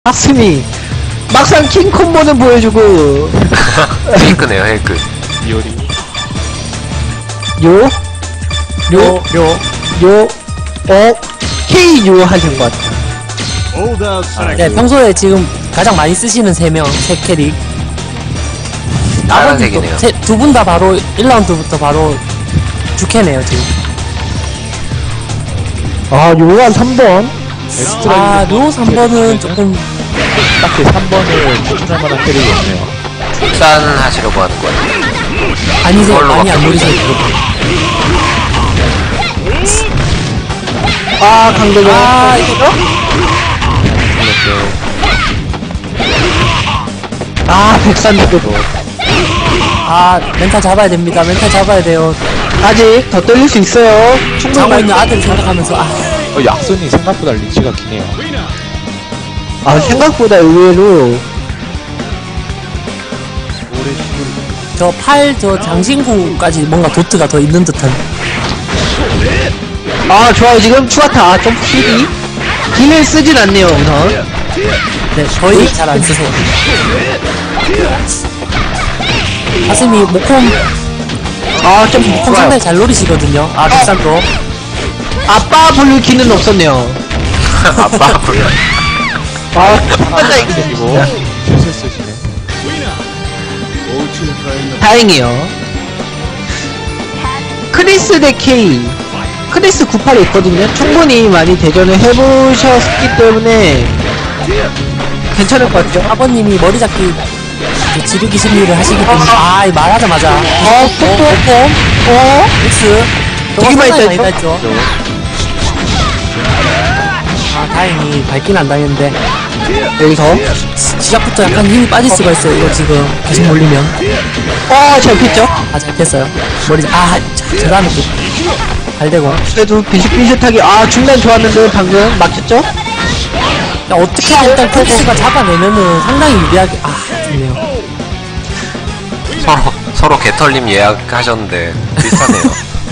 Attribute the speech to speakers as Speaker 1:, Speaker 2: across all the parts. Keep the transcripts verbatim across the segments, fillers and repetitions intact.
Speaker 1: 가슴이 막상 킹콤보는 보여주고
Speaker 2: 헤이크네요, 헤이크.
Speaker 3: 이효리
Speaker 1: 요? 요?
Speaker 3: 요
Speaker 1: 요? 어? K 요 하신 것 같아요.
Speaker 4: 네, 평소에 지금 가장 많이 쓰시는 세 명, 세 캐릭.
Speaker 2: 파란색이네요.
Speaker 4: 두 분 다 바로 일 라운드부터 바로 주캐네요, 지금.
Speaker 1: 아, 요가 삼 번.
Speaker 4: 아, 요 삼 번은 조금
Speaker 3: 딱히 삼 번을 추천할 만한 캐릭이 없네요.
Speaker 2: 출산 하시려고 하는 거 같아요.
Speaker 4: 아니세요,
Speaker 2: 그걸로
Speaker 4: 많이 안
Speaker 2: 바꾸고
Speaker 4: 노리세요, 그거.
Speaker 1: 아, 강대경.
Speaker 4: 아, 이거.
Speaker 1: 아, 백산도.
Speaker 4: 아, 멘탈 잡아야 됩니다, 멘탈 잡아야 돼요.
Speaker 1: 아직 더 떨릴 수 있어요.
Speaker 4: 자고
Speaker 1: 충분히.
Speaker 4: 있는 아들 생각하면서, 아.
Speaker 3: 어, 약손이 생각보다 리치가 기네요.
Speaker 1: 아, 생각보다 의외로.
Speaker 4: 저 팔, 저 장신구까지 뭔가 도트가 더 있는 듯한.
Speaker 1: 아, 좋아요. 지금 추가타. 점프 힐이. 힐을 쓰진 않네요, 우선.
Speaker 4: 네, 거의 잘 안 쓰세요. 가슴이 모콤,
Speaker 1: 아, 점프
Speaker 4: 모콤
Speaker 1: 좋아요.
Speaker 4: 상당히 잘 노리시거든요. 아, 백산도.
Speaker 1: 아빠 부를 키는 없었네요.
Speaker 2: 아빠 불러.
Speaker 1: 아, 한번다
Speaker 3: 이거 실수 쓰시네.
Speaker 1: 다행이요. 크리스 대 K. 크리스 구십팔이 있거든요. 충분히 많이 대전을 해보셨기 때문에 괜찮을 것 같죠?
Speaker 4: 아버님이 머리 잡기 그 지르기 심리를 하시기 때문에. 아, 이 말하자마자.
Speaker 1: 어, 뽀뽀. 어?
Speaker 4: 엑스.
Speaker 1: 되게 많이
Speaker 4: 많이
Speaker 1: 땄죠?
Speaker 4: 땄죠? 아, 다행히 밝긴 안 당했는데.
Speaker 1: 여기서.
Speaker 4: 시- 시작부터 약간 힘이 빠질 수가 있어요, 이거 지금. 계속 몰리면.
Speaker 1: 어, 잘 폈죠?
Speaker 4: 아, 잘 폈어요. 머리, 아, 자, 저 다음에 또. 잘 되고.
Speaker 1: 그래도 비슷비슷하게. 아, 중간 좋았는데 방금 막혔죠?
Speaker 4: 야, 어떻게 일단 크리스가 잡아내면은 상당히 유리하게. 아, 좋네요.
Speaker 2: 서로, 서로 개털림 예약하셨는데, 비슷하네요.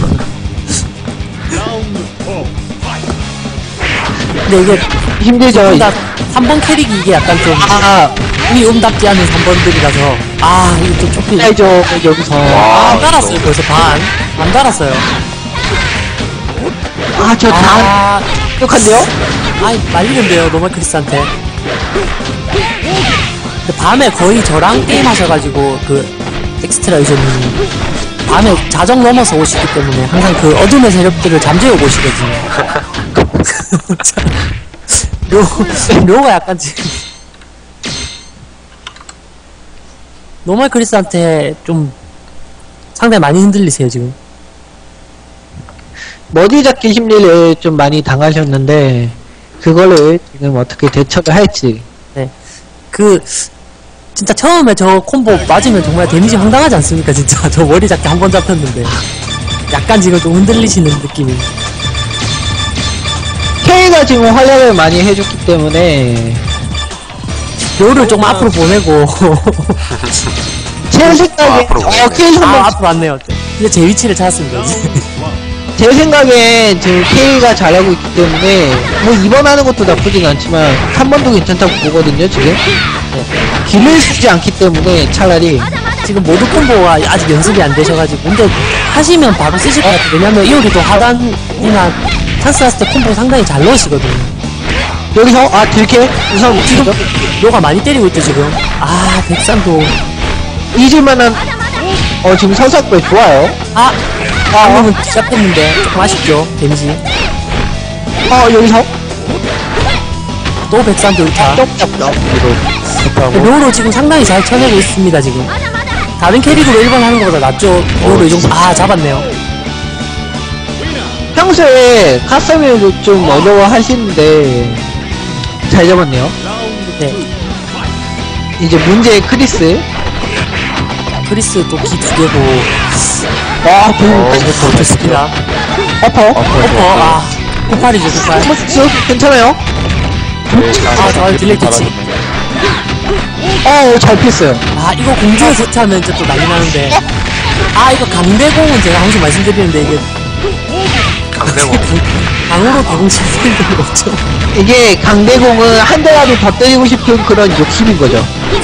Speaker 4: 근데 이게
Speaker 1: 힘들죠?
Speaker 4: 삼 번 캐릭이 이게 약간 좀
Speaker 1: 아,
Speaker 4: 우리 음답지 않은 삼 번들이라서 아 이게 좀 좁히
Speaker 1: 알죠. 여기서.
Speaker 4: 아, 안 달았어요 벌써 반 안 달았어요.
Speaker 1: 아, 저 다.
Speaker 4: 아,
Speaker 1: 똑똑한데요?
Speaker 4: 아이 말리는데요 노멀 크리스한테. 근데 밤에 거의 저랑 게임 하셔가지고 그 엑스트라 유저님이 밤에 자정 넘어서 오시기 때문에 항상 그 어둠의 세력들을 잠재워 보시거든요. 묘, 묘가 약간 지금 노멀 크리스한테 좀 상당히 많이 흔들리세요 지금.
Speaker 1: 머리 잡기 심리를 좀 많이 당하셨는데, 그거를 지금 어떻게 대처를 할지.
Speaker 4: 네. 그 진짜 처음에 저 콤보 맞으면 정말 데미지 황당하지 않습니까 진짜. 저 머리 잡기 한 번 잡혔는데 약간 지금 좀 흔들리시는 느낌이.
Speaker 1: K가 지금 활약을 많이 해줬기 때문에,
Speaker 4: 묘를 조금 앞으로 보내고
Speaker 1: 제 생각에,
Speaker 2: 앞으로
Speaker 1: 어,
Speaker 2: 보내네.
Speaker 1: K
Speaker 4: 아
Speaker 1: 한번,
Speaker 4: 앞으로 왔네요. 이제 제 위치를 찾았습니다 이제.
Speaker 1: 제 생각엔 지금 K가 잘하고 있기 때문에, 뭐 이번 하는 것도 나쁘진 않지만, 한 번도 괜찮다고 보거든요, 지금. 길을 쓰지 않기 때문에 차라리.
Speaker 4: 지금 모드 콤보가 아직 연습이 안 되셔가지고. 근데 하시면 바로 쓰실 것 같아요. 왜냐면 이오리도 하단이나 찬스 났을 때 콤보 상당히 잘 넣으시거든요.
Speaker 1: 여기서, 아, 들게? 우선,
Speaker 4: 지금
Speaker 1: 지금,
Speaker 4: 묘가 많이 때리고 있죠 지금. 아 백산도.
Speaker 1: 잊을만한, 어, 지금 선삭배 좋아요.
Speaker 4: 아 방금은 시작했는데 조금 아쉽죠 데미지.
Speaker 1: 어, 여기서,
Speaker 4: 또 백산도 일타.
Speaker 1: 쩍쩍쩍.
Speaker 3: 좋다고.
Speaker 4: 묘로 지금 상당히 잘 쳐내고 있습니다 지금. 다른 캐릭으로 일 번 하는 것보다 낫죠. 묘로 이 정도. 아 잡았네요.
Speaker 1: 평소에 카스미도 좀 어려워 하시는데, 잘 잡았네요.
Speaker 4: 네.
Speaker 1: 이제 문제의 크리스.
Speaker 4: 크리스 또 기 두 개고.
Speaker 1: 와, 그,
Speaker 4: 어, 좋습니다.
Speaker 1: 어퍼.
Speaker 4: 어퍼, 아, 폭발이죠, 폭발.
Speaker 1: 쓱 괜찮아요?
Speaker 4: 아, 저 딜레이 터치.
Speaker 1: 어, 잘 피했어요.
Speaker 4: 아, 이거 공중에 세트하면 이제 또 난리 나는데. 아, 이거 강대공은 제가 항상 말씀드리는데, 이게
Speaker 2: 강대공.
Speaker 4: 방으로 대공 칠 생각이 없죠.
Speaker 1: 이게 강대공은 한 대라도 더 때리고 싶은 그런 욕심인 거죠.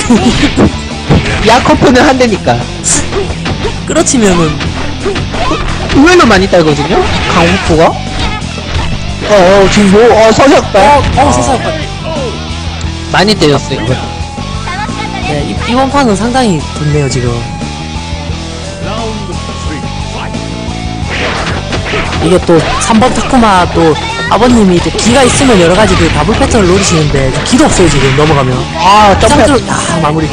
Speaker 1: 야코프는 한 대니까.
Speaker 4: 끌어치면은
Speaker 1: 의외로 많이 딸거든요? 강호프가? 어, 어, 지금 뭐, 어, 서셨다.
Speaker 4: 어, 어, 세상.
Speaker 1: 많이 때렸어요, 이거.
Speaker 4: 네, 이, 이번 판은 상당히 좋네요, 지금. 이게 또 삼 번 타쿠마 또 아버님이 또 기가 있으면 여러 가지 그 더블 패턴을 노리시는데 기도 없어요, 지금 넘어가면.
Speaker 1: 아, 점프.
Speaker 4: 짱들, 아, 마무리.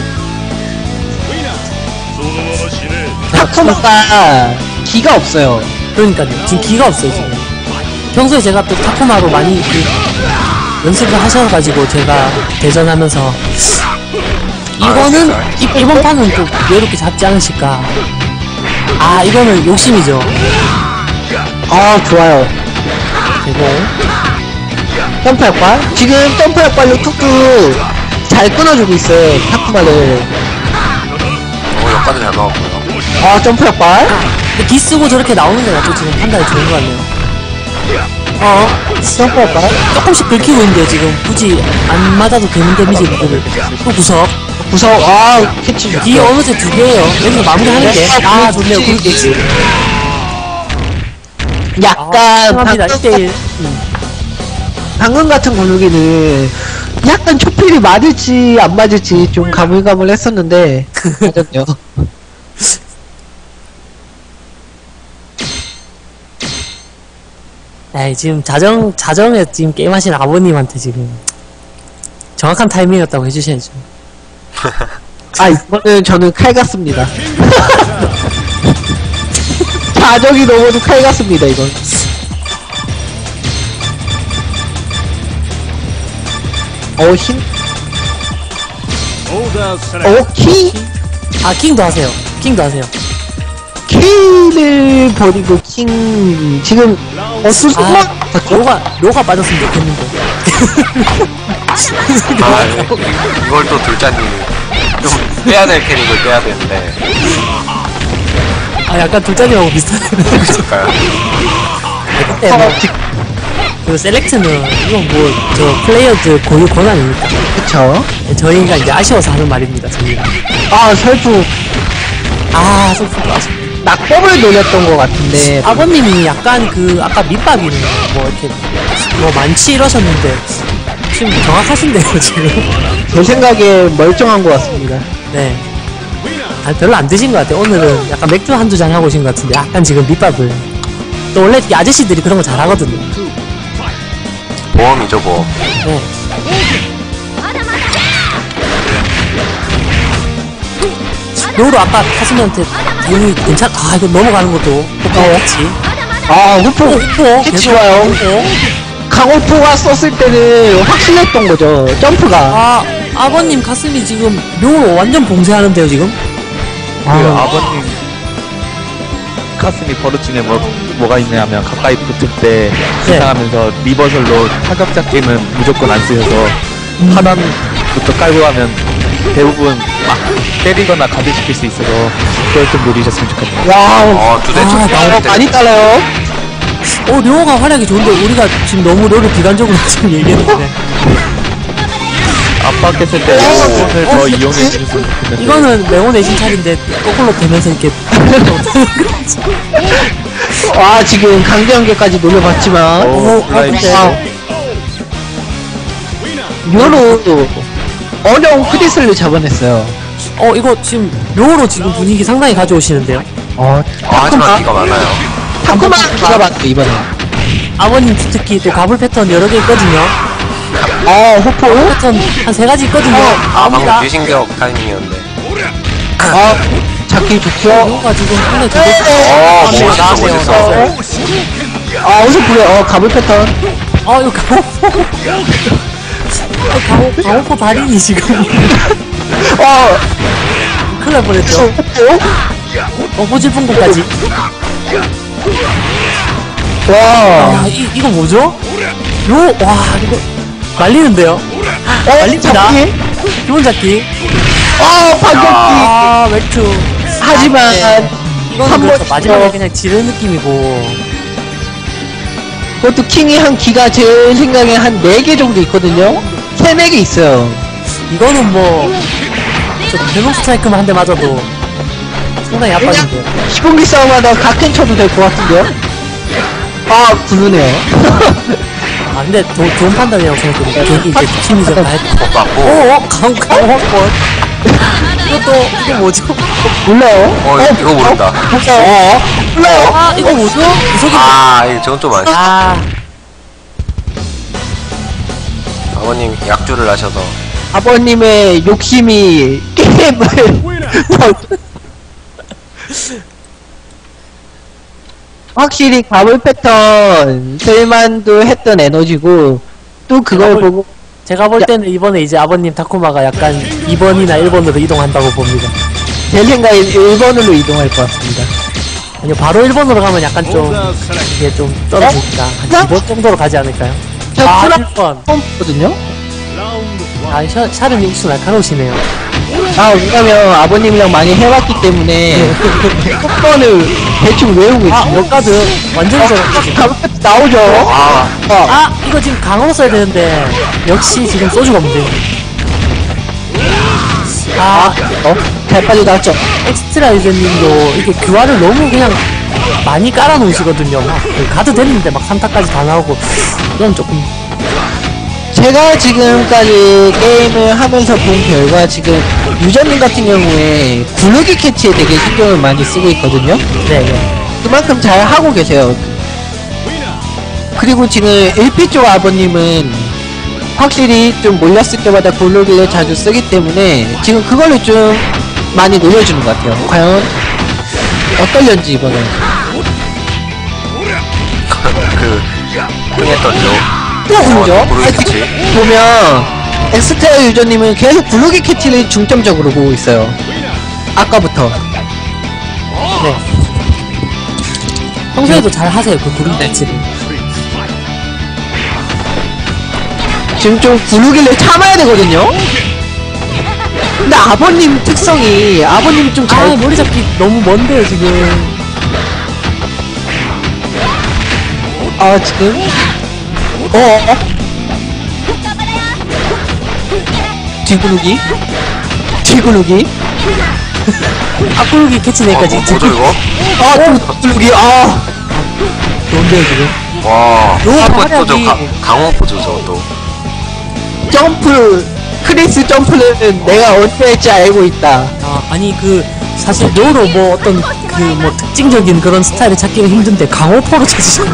Speaker 1: 타쿠마가 기가 없어요.
Speaker 4: 그러니까요. 지금 기가 없어요, 지금. 평소에 제가 또 타코마로 많이 그 연습을 하셔가지고 제가 대전하면서 이거는 이, 이번 판은 좀 여유롭게 잡지 않으실까. 아, 이거는 욕심이죠.
Speaker 1: 아, 좋아요.
Speaker 4: 대공.
Speaker 1: 점프 약발? 지금 점프 약발로 툭툭 잘 끊어주고 있어요, 타쿠마를.
Speaker 2: 어, 역까지 잘 나왔고요.
Speaker 1: 아, 점프 약발?
Speaker 4: 근데 기 쓰고 저렇게 나오는 게 낫죠. 지금 판단이 좋은 것 같네요. 어,
Speaker 1: 점프 약발?
Speaker 4: 조금씩 긁히고 있는데요, 지금. 굳이 안 맞아도 되는 데미지를. 또 구석.
Speaker 1: 무서워. 아, 캐치
Speaker 4: 기
Speaker 1: 좋죠.
Speaker 4: 어느새 두 개예요. 여기서 마무리하는 게. 아, 좋네요. 굵기.
Speaker 1: 약간,
Speaker 4: 합니다.
Speaker 1: 방금,
Speaker 4: 일 대일.
Speaker 1: 방금 같은 근육이는 약간 초필이 맞을지 안 맞을지 좀 가물가물 했었는데, 맞았네요.
Speaker 4: 에이, 지금 자정, 자정에 지금 게임하신 아버님한테 지금 정확한 타이밍이었다고 해주셔야죠.
Speaker 1: 아, 이거는 저는 칼 같습니다. 자적이 넘어도 칼 같습니다, 이건. 어, 힘, 어, 키?
Speaker 4: 아, 킹도 하세요. 킹도 하세요.
Speaker 1: 키를 버리고 킹, 지금, 어, 수수가?
Speaker 4: 아, 로가, 로가 빠졌으면 좋겠는데.
Speaker 2: 아, 이- 이걸 또 둘째님이 좀 빼야 될 캐릭을 빼야 되는데.
Speaker 4: 아, 약간 둘째님하고 비슷하네요.
Speaker 2: 그럴까요?
Speaker 4: 그때 뭐, 그 셀렉트는, 이건 뭐, 저 플레이어들 고유 권한이니까.
Speaker 1: 그쵸.
Speaker 4: 저희가 이제 아쉬워서 하는 말입니다, 저희가.
Speaker 1: 아, 설프,
Speaker 4: 아, 소프가.
Speaker 1: 낙법을 노렸던 것 같은데,
Speaker 4: 아버님이 약간 그, 아까 밑밥이는 뭐, 이렇게, 뭐, 많지 이러셨는데, 지금 정확하신데요, 지금.
Speaker 1: 제 생각에 멀쩡한 것 같습니다.
Speaker 4: 네. 아, 별로 안 드신 것 같아요. 오늘은 약간 맥주 한두 잔 하고 오신 것 같은데, 약간 지금 밑밥을. 또 원래 이 아저씨들이 그런 거 잘하거든요.
Speaker 2: 보험이죠, 보험.
Speaker 4: 네. 요로 아까 타수미한테 대응이 괜찮, 아, 이거 넘어가는 것도 똑같이.
Speaker 1: 아, 후포,
Speaker 4: 어,
Speaker 1: 캐치 좋아요.
Speaker 4: 어?
Speaker 1: 강호포가 썼을 때는 확실했던 거죠, 점프가.
Speaker 4: 아, 아버님 가슴이 지금 요로 완전 봉쇄하는데요, 지금?
Speaker 3: 그 아버님 가슴이 버릇 중에 뭐, 뭐가 있냐면 가까이 붙을 때
Speaker 4: 네.
Speaker 3: 이상하면서 리버설로 타격 잡기는 무조건 안 쓰여서
Speaker 4: 음.
Speaker 3: 하단부터 깔고 가면 대부분 막 때리거나 가드시킬 수 있어서 그걸 좀 노리셨으면 좋겠네요.
Speaker 1: 와,
Speaker 2: 어, 두 대,
Speaker 4: 아,
Speaker 2: 두 대,
Speaker 1: 어,
Speaker 2: 두 대.
Speaker 1: 많이 따라요.
Speaker 4: 어, 료가 활약이 좋은데, 우리가 지금 너무 료를 비관적으로 지금 얘기했는데.
Speaker 3: 압박했을 때 오늘
Speaker 4: 어,
Speaker 3: 더 이용해 주셨으면 좋겠는데.
Speaker 4: 이거는 명호 내신 차인데, 거꾸로 되면서 이렇게.
Speaker 1: 와, 지금 강제연계까지 노려봤지만,
Speaker 3: 오,
Speaker 4: 어,
Speaker 3: 플라이스.
Speaker 1: 아, 묘로 어려운 크리스를 잡아냈어요.
Speaker 4: 어, 이거 지금 료로 지금 분위기 상당히 가져오시는데요.
Speaker 1: 어,
Speaker 2: 아, 하지만 기가 많아요.
Speaker 1: 타쿠마 기가 막혀, 이번에.
Speaker 4: 아버님 특히 또 가불 패턴 여러 개 있거든요.
Speaker 1: 어, 호포?
Speaker 4: 패턴 한 세 가지 있거든요.
Speaker 2: 아, 방금
Speaker 4: 아닙니다.
Speaker 2: 귀신격 타이밍이었는데.
Speaker 1: 아, 잡기 좋죠.
Speaker 4: 료가 지금 상당히 되게.
Speaker 2: 어,
Speaker 4: 나왔네요,
Speaker 2: 멋있어,
Speaker 4: 나왔네요,
Speaker 2: 멋있어.
Speaker 4: 나왔어요.
Speaker 1: 아, 어서 보래. 어, 가불 패턴.
Speaker 4: 어, 이거 강호포. 어, 강호, 강호포 달인이 지금.
Speaker 1: 어,
Speaker 4: 큰일 날 뻔했죠.
Speaker 1: 호포?
Speaker 4: 어, 호질풍구까지.
Speaker 1: 와,
Speaker 4: 아, 이, 이거 뭐죠? 료, 와, 이거. 말리는데요?
Speaker 1: 어,
Speaker 4: 말립니다.
Speaker 1: 잡기?
Speaker 4: 기본 잡기.
Speaker 1: 어, 반격기.
Speaker 4: 아, 맥주.
Speaker 1: 하지만,
Speaker 4: 네. 이거는
Speaker 1: 한
Speaker 4: 그렇죠.
Speaker 1: 번
Speaker 4: 마지막에
Speaker 1: 더.
Speaker 4: 그냥 지른 느낌이고.
Speaker 1: 그것도 킹이 한 기가 제 생각에 한 네 개 정도 있거든요? 세, 네 개 있어요.
Speaker 4: 이거는 뭐, 저 대목 스트라이크만 한 대 맞아도 상당히 아파진데요.
Speaker 1: 시공기 싸움하다 각캔 쳐도 될 것 같은데요? 아, 부르네요.
Speaker 4: 아, 근데 도, 좋은 판단이라고 생각해요. 괜히 이제 팀이죠. 다 했고.
Speaker 2: 맞고.
Speaker 4: 오, 어, 강, 강화권. 이것도, 이거 뭐죠?
Speaker 1: 몰라요?
Speaker 2: 어, 이거 모른다.
Speaker 1: 어? 몰라요?
Speaker 4: 아, 이거 뭐죠? 무속이
Speaker 2: 아, 이거 저건 좀 아쉽다.
Speaker 4: 아,
Speaker 2: 아버님 약주를 하셔서.
Speaker 1: 아버님의 욕심이 게임을 확실히 가물 패턴 쓸만도 했던 에너지고 또 그걸
Speaker 4: 가물-
Speaker 1: 보고
Speaker 4: 제가 볼 때는 이번에 이제 아버님 타쿠마가 약간 이 번이나 일 번으로 이동한다고 봅니다.
Speaker 1: 제 생각에 일 번으로 이동할 것 같습니다.
Speaker 4: 아니요, 바로 일 번으로 가면 약간 좀, 이게 좀 떨어지니까. 한 이 번 정도로 가지 않을까요?
Speaker 1: 저
Speaker 4: 아,
Speaker 1: 프라
Speaker 4: 일 번.
Speaker 1: 처음거든요.
Speaker 4: 아, 샤, 샤르님 혹시 날카로우시네요.
Speaker 1: 아 왜냐면 아버님이랑 많이 해왔기 때문에 속번을 대충 외우고
Speaker 4: 아,
Speaker 1: 있어요.
Speaker 4: 역가드 완전 저렇게.
Speaker 1: 가물 패턴 나오죠.
Speaker 2: 아,
Speaker 1: 어.
Speaker 4: 아, 이거 지금 강호 써야 되는데, 역시 지금 소주가 없는데. 아,
Speaker 1: 어? 잘 빠져나왔죠.
Speaker 4: 엑스트라 유저님도 이게 교환을 너무 그냥 많이 깔아놓으시거든요. 막그 가드 됐는데 막 삼타까지 다 나오고, 이건 조금.
Speaker 1: 제가 지금까지 게임을 하면서 본 결과 지금 유저님 같은 경우에 구르기 캐치에 되게 신경을 많이 쓰고 있거든요.
Speaker 4: 네네.
Speaker 1: 그만큼 잘 하고 계세요. 그리고 지금 일 피 쪽 아버님은 확실히 좀 몰렸을 때마다 구르기를 자주 쓰기 때문에 지금 그걸로 좀 많이 놀려주는 것 같아요. 과연 어떨련지 이번에.
Speaker 2: 그, 흥했던 요.
Speaker 1: 또 그러죠?
Speaker 2: 어, 구르기
Speaker 1: 아니,
Speaker 2: 캐치.
Speaker 1: 지금 보면 엑스트라 유저님은 계속 구르기 캐치를 중점적으로 보고 있어요. 아까부터.
Speaker 4: 네. 평소에도 잘 하세요, 그 구름 배치를.
Speaker 1: 지금 좀 구르기를 참아야 되거든요? 근데 아버님 특성이, 아버님이 좀
Speaker 4: 아,
Speaker 1: 잘,
Speaker 4: 머리 잡기 너무 먼데요, 지금.
Speaker 1: 아, 지금? 어, 어? 뒤구르기? 뒤구르기?
Speaker 4: 앞구르기 캐치내니까
Speaker 2: 어, 뭐,
Speaker 4: 지금
Speaker 2: 뭐죠, 이거?
Speaker 1: 아, 뒤구르기, 아.
Speaker 4: 좋은데요, 지금.
Speaker 2: 와,
Speaker 4: 요
Speaker 2: 한번 또 저
Speaker 4: 활약이-
Speaker 2: 강호포죠, 저것도.
Speaker 1: 점프, 크리스 점프는 내가 언제 할지 알고 있다.
Speaker 4: 아, 아니, 그, 사실, 료로 뭐 어떤, 그, 뭐, 특징적인 그런 스타일을 찾기가 힘든데, 강호포로 찾으셨네.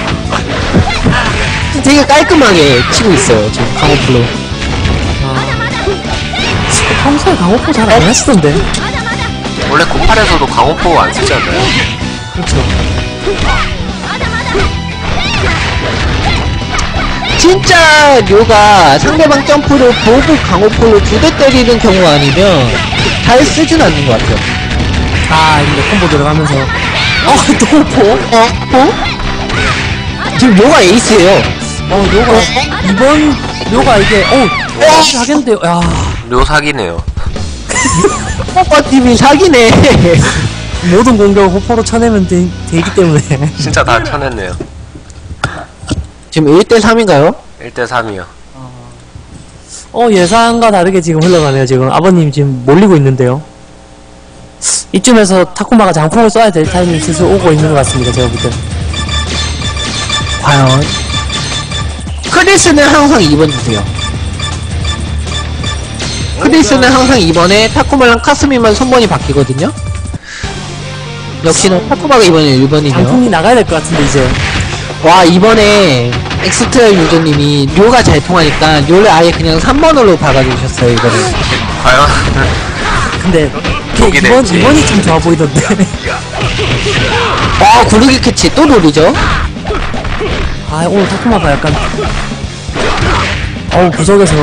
Speaker 1: 되게 깔끔하게 치고 있어요, 지금 강호플로.
Speaker 4: 평소에 강호포 잘 안 하시던데.
Speaker 2: 원래 고팔에서도 강호포 안 쓰지 않나요?
Speaker 4: 그렇죠.
Speaker 1: 진짜 료가 상대방 점프를 보고 강호포로 두 대 때리는 경우 아니면 잘 쓰진 않는 것 같아요.
Speaker 4: 아, 이제 콤보 들어가면서. 어, 또 포?
Speaker 1: 어? 어? 지금 료가 에이스예요.
Speaker 4: 어, 료가, 이번, 료가 이게, 어, 어, 하겠는데요. 야,
Speaker 2: 묘 사기네요.
Speaker 1: 호퍼팀이 사기네.
Speaker 4: 모든 공격을 호포로 쳐내면 되, 되기 때문에.
Speaker 2: 진짜 다 쳐냈네요.
Speaker 1: 지금 일 대 삼인가요?
Speaker 2: 일 대 삼이요.
Speaker 4: 어, 예상과 다르게 지금 흘러가네요. 지금 아버님 지금 몰리고 있는데요. 이쯤에서 타쿠마가 장풍을 써야 될 타이밍이 슬슬 오고 있는 것 같습니다. 제가 볼 때.
Speaker 1: 과연? 크리스는 항상 이 번 주세요. 크리스는 항상 이 번에 타쿠마랑 카스미만 선번이 바뀌거든요? 역시나 타쿠마가 이번에 일 번이네요.
Speaker 4: 장풍이 나가야 될 것 같은데, 이제.
Speaker 1: 와, 이번에 엑스트라 유저님이 료가 잘 통하니까 료를 아예 그냥 삼 번으로 박아주셨어요, 이거를.
Speaker 2: 과연?
Speaker 4: 근데,
Speaker 2: 독이
Speaker 4: 이번,
Speaker 2: 될지.
Speaker 4: 이번이 좀 좋아 보이던데.
Speaker 1: 아, 구르기 캐치 또 노리죠?
Speaker 4: 아, 오늘 타쿠마가 약간. 어우, 구석에서.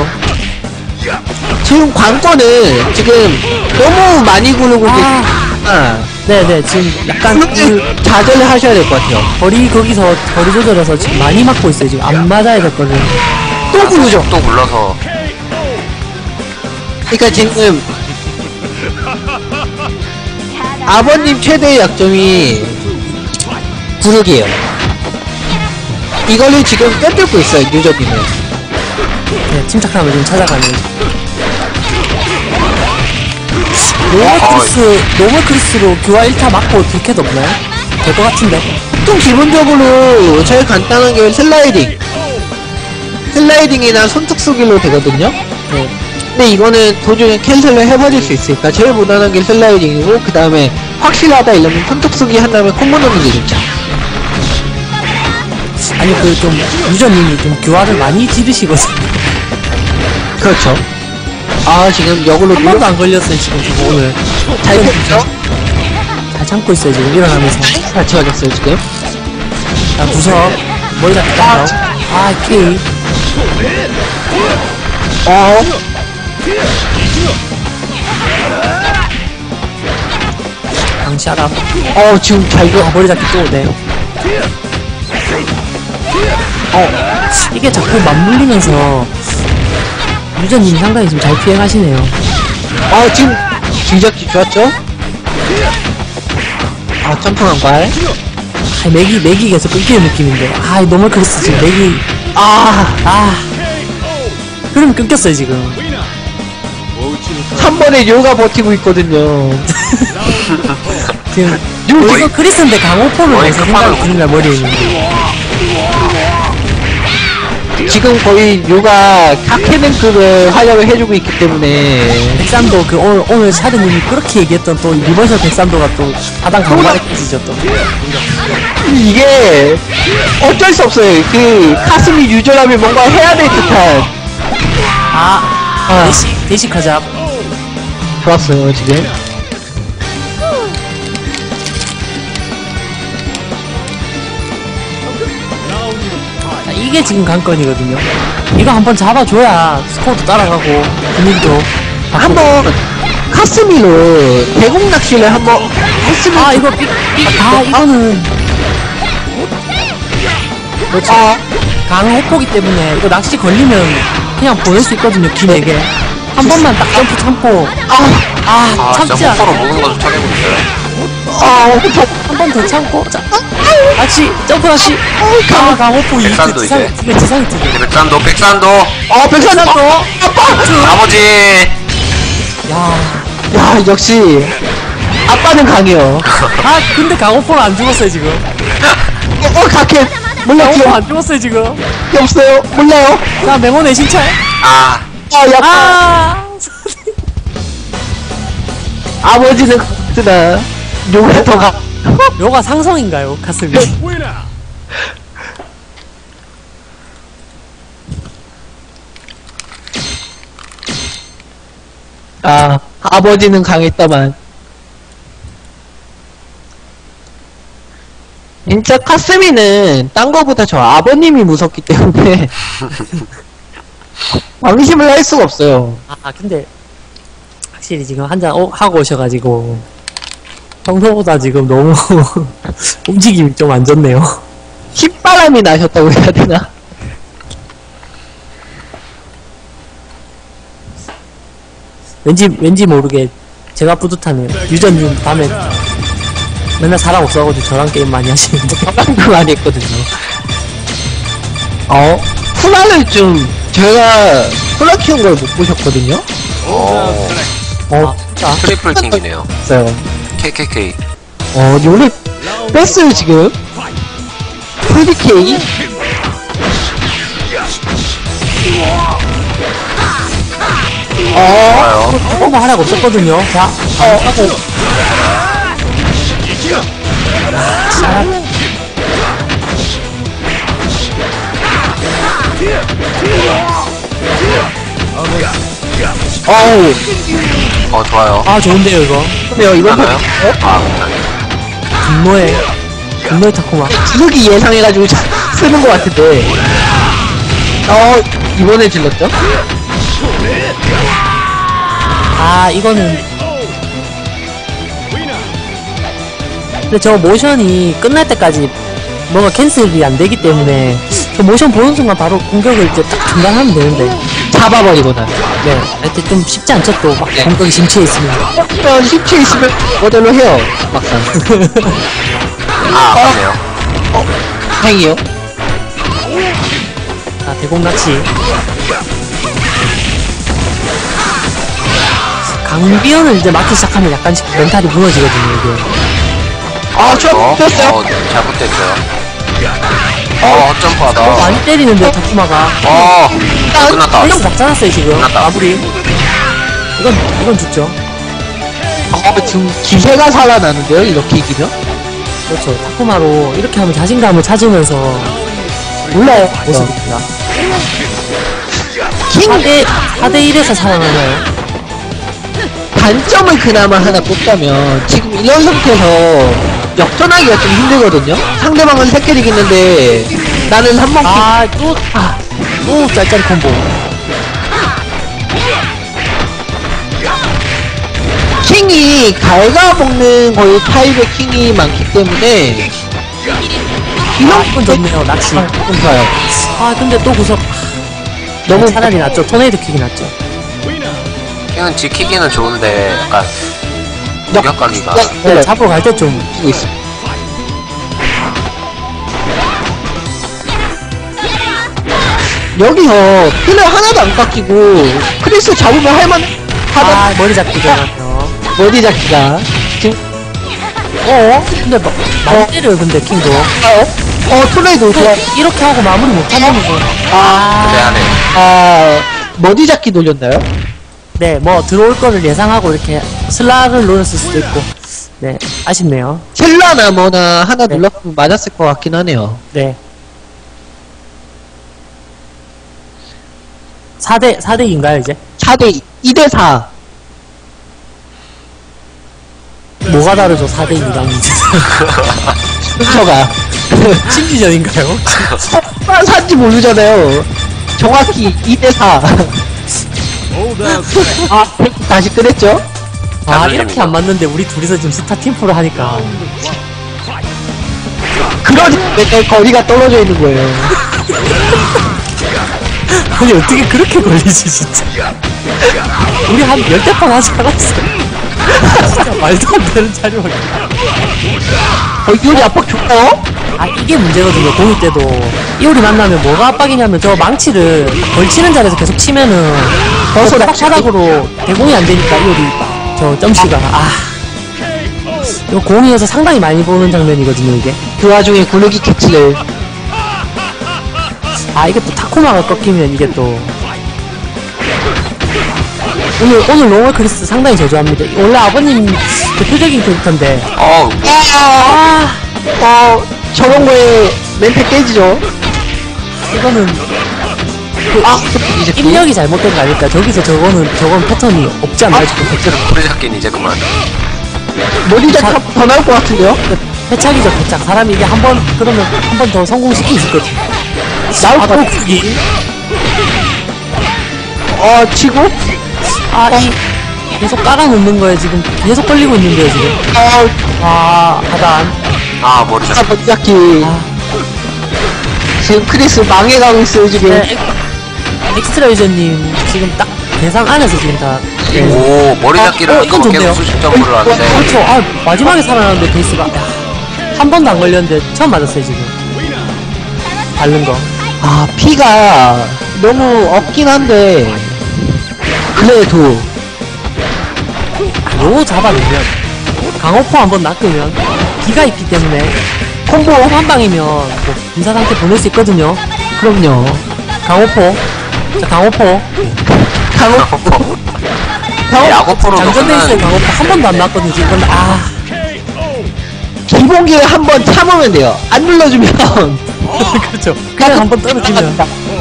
Speaker 1: 지금 관건을 지금 너무 많이 구르고
Speaker 4: 아.
Speaker 1: 계시니까
Speaker 4: 네네, 지금 약간 그,
Speaker 1: 구르기 자제를 하셔야 될 것 같아요.
Speaker 4: 거리, 거기서 거리 조절해서 지금 많이 맞고 있어요. 지금 안 맞아야 될 거를.
Speaker 1: 또 구르죠?
Speaker 2: 또 굴러서.
Speaker 1: 그러니까 지금 아버님 최대의 약점이 구르기예요. 이거를 지금 꿰뚫고 있어요, 유저님은.
Speaker 4: 네, 침착함을 좀 찾아가는 거죠. 노멀 크리스, 노멀 크리스로 교화 일 타 맞고 딜캐도 없나요? 될 것 같은데.
Speaker 1: 보통 기본적으로 제일 간단한 게 슬라이딩. 슬라이딩이나 손톱 쏘기로 되거든요.
Speaker 4: 네.
Speaker 1: 근데 이거는 도중에 캔슬을 해버릴 수 있으니까 제일 무난한 게 슬라이딩이고, 그 다음에 확실하다 이러면 손톱 쏘기 한 다음에 콤보 넣는 게 좋죠.
Speaker 4: 아니, 그 좀, 유저님이 좀 교화를 많이 지르시거든요.
Speaker 1: 그렇죠. 아, 지금 역으로
Speaker 4: 한 번도 안 걸렸어요, 지금 저거 오늘.
Speaker 1: 잘 켰죠?
Speaker 4: 잘 참고 있어요, 지금 일어나면서.
Speaker 1: 같이 가졌어요, 지금.
Speaker 4: 아, 무서워. 머리 잡기 딱 아, 케이.
Speaker 1: 어,
Speaker 4: 방치하라.
Speaker 1: 어, 지금 잘
Speaker 4: 아,
Speaker 1: 줘.
Speaker 4: 머리 잡기 또, 네. 어, 이게 자꾸 맞물리면서 유저님이 상당히 좀 잘 피해가시네요.
Speaker 1: 어, 지금 진작기 좋았죠? 아, 점프한 발.
Speaker 4: 아, 맥이, 맥이 계속 끊기는 느낌인데. 아, 너무 크리스 지금 맥이.
Speaker 1: 아,
Speaker 4: 아. 흐름 끊겼어요, 지금.
Speaker 1: 한 번에 요가 버티고 있거든요.
Speaker 4: 지금.
Speaker 1: 요,
Speaker 4: 이거 크리스인데 강호포를
Speaker 2: 거의
Speaker 4: 해서
Speaker 2: 끝판왕.
Speaker 4: 생각이 드는 거야, 머리에 있는데.
Speaker 1: 지금 거의 요가 카케랭크를 활약을 해주고 있기 때문에.
Speaker 4: 백삼도 그 오늘, 오늘 샤드님이 그렇게 얘기했던 또 리버셜 백삼도가 또 하단 강화를 깨지죠, 또.
Speaker 1: 이게 어쩔 수 없어요. 그 카스미 유저라면 뭔가 해야 될 듯한.
Speaker 4: 아,
Speaker 1: 아,
Speaker 4: 대식, 대식하자.
Speaker 1: 좋았어요, 지금.
Speaker 4: 자, 이게 지금 관건이거든요. 이거 한번 잡아줘야 스코어도 따라가고 분위기도 바꾸고.
Speaker 1: 한번 카스미로 대공 낚시를 한번 했으면.
Speaker 4: 아 이거 삑, 삑, 아 이거는 그렇죠.
Speaker 1: 아,
Speaker 4: 강호포기 때문에 이거 낚시 걸리면 그냥 보낼 수 있거든요. 기내게 한 번만 딱 점프 참고
Speaker 1: 아,
Speaker 4: 아
Speaker 2: 아,
Speaker 4: 참지
Speaker 2: 진짜
Speaker 4: 않아.
Speaker 2: 호포로 먹는 거 좀 찾아보고 있어요.
Speaker 1: 아,
Speaker 4: 한 번 더 참고 자 낚시 점프 낚시 아 강호포 이게
Speaker 2: 백산도
Speaker 4: 지상
Speaker 2: 이제.
Speaker 4: 이게 지상이 뜨네.
Speaker 2: 백산도, 백산도,
Speaker 1: 아, 백산도. 아빠.
Speaker 2: 아버지.
Speaker 4: 야,
Speaker 1: 야, 역시 아빠는 강해요.
Speaker 4: 아 근데 강호포는 안 죽었어요 지금.
Speaker 1: 어, 어 가켓. 몰라,
Speaker 4: 강호포
Speaker 1: 기억
Speaker 4: 안 죽었어요 지금.
Speaker 1: 없어요. 몰라요.
Speaker 4: 자 맹원의 신찰.
Speaker 2: 아,
Speaker 1: 아, 약간
Speaker 4: 아
Speaker 1: 아버지는 강하구나. 요가 더 가.
Speaker 4: 요가 상성인가요 가슴이?
Speaker 1: 아, 아버지는 강했다만. 진짜 카스미는 딴 거보다 저 아버님이 무섭기 때문에 방심을 할 수가 없어요.
Speaker 4: 아 근데 확실히 지금 한잔 어, 하고 오셔가지고 평소보다 지금 너무 움직임이 좀 안 좋네요.
Speaker 1: 흰바람이 나셨다고 해야 되나?
Speaker 4: 왠지 왠지 모르게 제가 뿌듯하네요. 유저님 밤에 맨날 사람 없어가지고 저랑 게임 많이 하시는데.
Speaker 1: 저랑도 많이 했거든요. 어? 후라를 좀 제가 후라 키운 걸 못 보셨거든요?
Speaker 2: 오,
Speaker 1: 어,
Speaker 4: 자
Speaker 2: 트리플 킹이네요.
Speaker 1: 있어요.
Speaker 2: 케이케이케이.
Speaker 1: 어, 요래 뺐어요, 지금. 프리케이? 어,
Speaker 2: 좋아요.
Speaker 4: 조금만 하라고 없었거든요. 자
Speaker 1: 어,
Speaker 4: 하고 자
Speaker 1: 어우,
Speaker 2: 어, 좋아요.
Speaker 4: 아 좋은데요 이거.
Speaker 1: 근데요, 이번
Speaker 2: 하나요?
Speaker 1: 판,
Speaker 2: 아,
Speaker 4: 분노의 분노의 타코마.
Speaker 1: 지속이 예상해가지고 자- 쓰는 것 같은데. 어, 이번에 질렀죠?
Speaker 4: 아 이거는 근데 저 모션이 끝날 때까지 뭔가 캔슬이 안 되기 때문에 저 모션 보는 순간 바로 공격을 이제 딱 중단하면 되는데
Speaker 1: 잡아버리거나.
Speaker 4: 네 하여튼 좀 쉽지 않죠 또 막 공격이 심취해 있으면.
Speaker 1: 그러면 십칠 있으면 모델로 해요, 막상.
Speaker 2: 아, 아깝네요.
Speaker 1: 행이요?
Speaker 4: 아, 대공낚시. 강비언을 이제 맞기 시작하면 약간씩 멘탈이 무너지거든요, 이게.
Speaker 1: 아, 저,
Speaker 2: 어,
Speaker 1: 쳤어요?
Speaker 2: 어, 잘못됐어요. 어, 점프하다.
Speaker 4: 많이 때리는데요, 타쿠마가.
Speaker 2: 어, 끝났다.
Speaker 4: 밸런스 막잖았어요, 지금.
Speaker 2: 끝났다.
Speaker 4: 마무리. 이건, 이건 죽죠.
Speaker 1: 어, 지금 기세가 살아나는데요, 이렇게 이기면?
Speaker 4: 그렇죠. 타쿠마로 이렇게 하면 자신감을 찾으면서 올라요, 모습입니다.
Speaker 1: 킹!
Speaker 4: 사 대 일에서 살아나나요?
Speaker 1: 단점을 그나마 하나 뽑자면, 지금 이런 상태에서 역전하기가 좀 힘들거든요? 상대방은 세 캐릭 있는데, 나는 한 번
Speaker 4: 아, 또, 아, 또 짤짤이 콤보.
Speaker 1: 킹이 갉아먹는 거의 타입의 킹이 많기 때문에,
Speaker 4: 아,
Speaker 1: 이런
Speaker 4: 이건 좋네요, 낚시.
Speaker 1: 좀 좋아요.
Speaker 4: 아, 근데 또 구석.
Speaker 1: 너무
Speaker 4: 차라리 낫죠. 토네이도 킥이 낫죠.
Speaker 2: 이건 지키기는 좋은데, 약간,
Speaker 1: 역-
Speaker 2: 무력감이가.
Speaker 4: 네,
Speaker 1: 네,
Speaker 4: 잡으러 갈 때 좀.
Speaker 1: 잡고 있어. 여기서 필러 하나도 안 깎이고 크리스 잡으면 할만 하다.
Speaker 4: 아, 머리 잡기 되나요?
Speaker 1: 머리 잡기가 지금
Speaker 4: 어? 근데 막, 많이 때려요, 근데, 킹도.
Speaker 1: 어? 어 토레이도 좋아.
Speaker 4: 이렇게 하고 마무리 못하는 거. 아,
Speaker 2: 그래야네.
Speaker 1: 아 머리 잡기 돌렸나요?
Speaker 4: 네, 뭐, 들어올 거를 예상하고 이렇게 슬락을 노렸을 수도 있고. 네, 아쉽네요.
Speaker 1: 셀라나 뭐나 하나
Speaker 4: 네.
Speaker 1: 눌렀으면 맞았을 것 같긴 하네요.
Speaker 4: 네. 사 대, 사 대 이인가요, 이제?
Speaker 1: 사 대 이 대 사.
Speaker 4: 뭐가 다르죠, 사 대 이랑.
Speaker 1: 순서가
Speaker 4: 심리전인가요?
Speaker 1: 아, 산지 모르잖아요. 정확히 이 대 사. 아, 다시 끄냈죠?
Speaker 4: 아,
Speaker 2: 잘
Speaker 4: 이렇게
Speaker 2: 들립니다.
Speaker 4: 안 맞는데 우리 둘이서 지금 스타 팀프를 하니까.
Speaker 1: 그러니까 맨날 거리가 떨어져 있는 거예요.
Speaker 4: 아니, 어떻게 그렇게 걸리지, 진짜. 우리 한 열대 판 하지 않았어. 진짜 말도 안 되는 자료가.
Speaker 1: 어, 이효리 압박 좋아요?
Speaker 4: 아, 이게 문제거든요, 공일 때도. 이효리 만나면 뭐가 압박이냐면, 저 망치를 걸치는 자리에서 계속 치면은,
Speaker 1: 벌써
Speaker 4: 딱
Speaker 1: 낚시-
Speaker 4: 바닥으로 대공이 안 되니까, 이효리, 저 점씨가. 아. 이거 공이어서 상당히 많이 보는 장면이거든요, 이게.
Speaker 1: 그 와중에 구르기 캐치를.
Speaker 4: 아, 이게 또 타코마가 꺾이면 이게 또. 오늘, 오늘 로멀 크리스 상당히 저조합니다. 원래 아버님 대표적인 캐릭터인데.
Speaker 2: 어우,
Speaker 1: 아, 어, 저런 거에 멘탈 깨지죠?
Speaker 4: 이거는 그
Speaker 1: 아, 이제
Speaker 4: 입력이 잘못된 거 아닐까? 저기서 저거는 저건 패턴이 없지 않나요? 지금 패턴.
Speaker 2: 우리 잡기는 이제 그만.
Speaker 1: 머리 잡더 나올 것 같은데요?
Speaker 4: 패착이죠, 패착. 사람이 이게 한 번 그러면 한 번 더 성공시킬 수 있거든.
Speaker 1: 나올
Speaker 4: 아,
Speaker 1: 것
Speaker 4: 또
Speaker 1: 같
Speaker 4: 그기.
Speaker 1: 어, 치고?
Speaker 4: 아, 이 계속 깔아놓는 거에 지금 계속 걸리고 있는데요, 지금.
Speaker 1: 어,
Speaker 4: 아, 하단.
Speaker 2: 아, 머리
Speaker 1: 아,
Speaker 2: 잡기.
Speaker 1: 머리 잡기.
Speaker 4: 아,
Speaker 1: 지금 크리스 망해가고 있어요, 지금.
Speaker 4: 네, 엑- 엑스트라 유저님 지금 딱 대상 안에서 지금 다. 네.
Speaker 2: 오, 머리 잡기를
Speaker 4: 어,
Speaker 2: 할
Speaker 4: 이건
Speaker 2: 거
Speaker 4: 좋네요.
Speaker 2: 계속 수십 점프를 하는데.
Speaker 4: 그렇죠. 아, 마지막에 살아났는데 베이스가 한 번도 안 걸렸는데 처음 맞았어요, 지금. 바른 거.
Speaker 1: 아, 피가 너무 없긴 한데. 그래도.
Speaker 4: 요 잡아내면 강호포 한번 낚으면 기가 있기 때문에 콤보 한 방이면 뭐 인사 상태 보낼 수 있거든요.
Speaker 1: 그럼요.
Speaker 4: 강호포. 자, 강호포.
Speaker 1: 강호, 강호,
Speaker 2: 야구프로도
Speaker 4: 장전돼 있어요,
Speaker 2: 끝나는.
Speaker 4: 강호포. 한 번도 안 낚거든요, 지금. 근데 아,
Speaker 1: 기본기에 한 번 참으면 돼요. 안 눌러주면.
Speaker 4: 그렇죠. 그냥 한 번 떨어지면.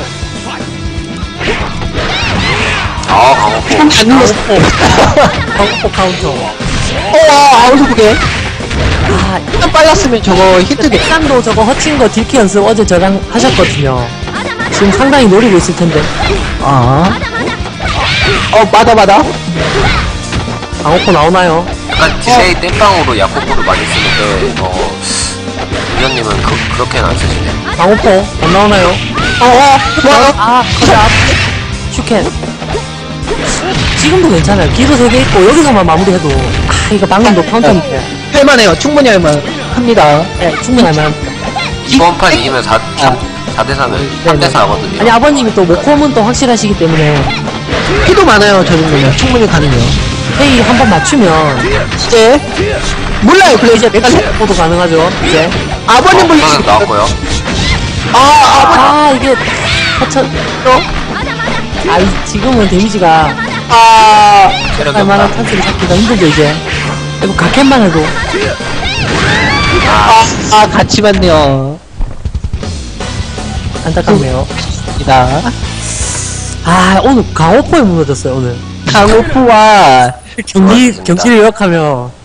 Speaker 2: 아, 강호포.
Speaker 1: 안 눌렀어.
Speaker 4: 강호포 카운터.
Speaker 1: 어, 아웃 보게.
Speaker 4: 아,
Speaker 1: 좀 빨랐으면 저거 히트 돼.
Speaker 4: 백산도 저거 허친 거 딜키 연습 어제 저랑 하셨거든요. 지금 상당히 노리고 있을 텐데.
Speaker 1: 아. 어, 맞아, 맞아.
Speaker 4: 강호포 나오나요?
Speaker 2: 약간 디세이 땜빵으로 야구프를 많이 쓰는데, 어, 위원님은 그, 그렇게는 안 쓰시네요.
Speaker 4: 강호포 안 나오나요?
Speaker 1: 어, 어, 와,
Speaker 4: 아, 컷업. 슈켄. 지금도 괜찮아요. 기도 세 개 있고 여기서만 마무리해도 아, 이거 방금도 카운터인데.
Speaker 1: 할만해요. 충분히 할만 합니다.
Speaker 4: 네, 충분히 할만합니다.
Speaker 2: 이번 판 이기면 사,
Speaker 1: 아.
Speaker 2: 사 대 사는
Speaker 4: 네네.
Speaker 2: 삼 대 사거든요.
Speaker 4: 아니 아버님이 또 모콤은 또 확실하시기 때문에
Speaker 1: 피도 많아요, 저 정도면. 충분히 가능해요.
Speaker 4: 페이 한 번 맞추면
Speaker 1: 이제, 몰라요, 그래, 이제 내가 생
Speaker 4: 포도 가능하죠 이제.
Speaker 1: 아버님
Speaker 2: 어,
Speaker 1: 불리시
Speaker 2: 하나 나왔고요.
Speaker 1: 아, 아버님,
Speaker 4: 아 이게 하천 아이 지금은 데미지가
Speaker 1: 아,
Speaker 2: 체력이
Speaker 4: 할만한
Speaker 2: 없다.
Speaker 4: 찬스를 잡기가 힘들죠 이제. 이거 각캔만 해도
Speaker 1: 아, 아, 같이 봤네요.
Speaker 4: 안타깝네요.
Speaker 1: 입니다.
Speaker 4: 아 오늘 강호포에 무너졌어요 오늘.
Speaker 1: 강호프와
Speaker 4: 경기
Speaker 2: 그렇습니다.
Speaker 4: 경기를 요약하면